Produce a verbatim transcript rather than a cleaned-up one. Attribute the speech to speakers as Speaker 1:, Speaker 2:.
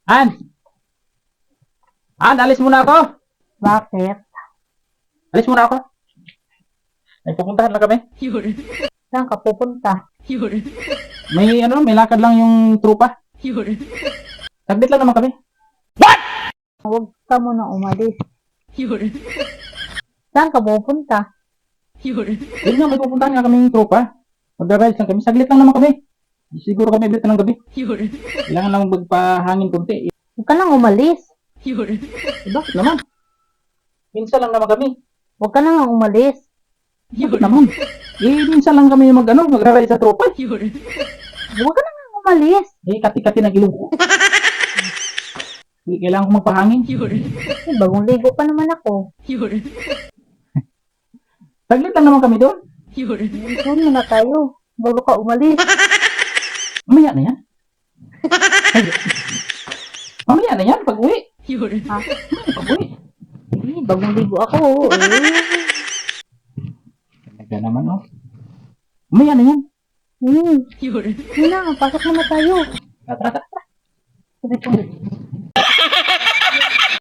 Speaker 1: An! An, alis muna ako!
Speaker 2: Bakit?
Speaker 1: Alis muna ako! May pupuntahan lang kami.
Speaker 2: Saan ka pupunta?
Speaker 1: May ano, may lakad lang yung trupa. Saglit lang naman kami.
Speaker 2: Huwag ka muna umalis. Saan ka pupunta?
Speaker 1: Yun nga, may pupuntahan nga kami yung trupa. Mag-rides lang kami. Saglit lang naman kami. Siguro kami ulit ng gabi. Kailangan lang magpahangin kunti.
Speaker 2: Huwag ka nang umalis.
Speaker 1: Eh, bakit naman? Minsan lang naman kami.
Speaker 2: Huwag ka nang umalis.
Speaker 1: Bakit naman? Eh, minsan lang kami mag, ano, mag-ride sa tropa.
Speaker 2: Huwag ka nang umalis.
Speaker 1: Eh, kati-kati ng ilong ko. Eh, kailangan ko magpahangin.
Speaker 2: Eh, bagong ligo pa naman ako.
Speaker 1: Saglit lang naman kami doon.
Speaker 2: Doon na tayo. Bago ka umalis.
Speaker 1: Mamaya na yan. Mamaya na yan, pag-uwi.
Speaker 2: Ha?
Speaker 1: Pag-uwi.
Speaker 2: Eh, bagong ligo ako. Eh.
Speaker 1: Talaga naman, oh. Mamaya na yan.
Speaker 2: Hmm. Yun na, pasok muna tayo.
Speaker 1: Tara, tara, tara.
Speaker 2: Sabi ko,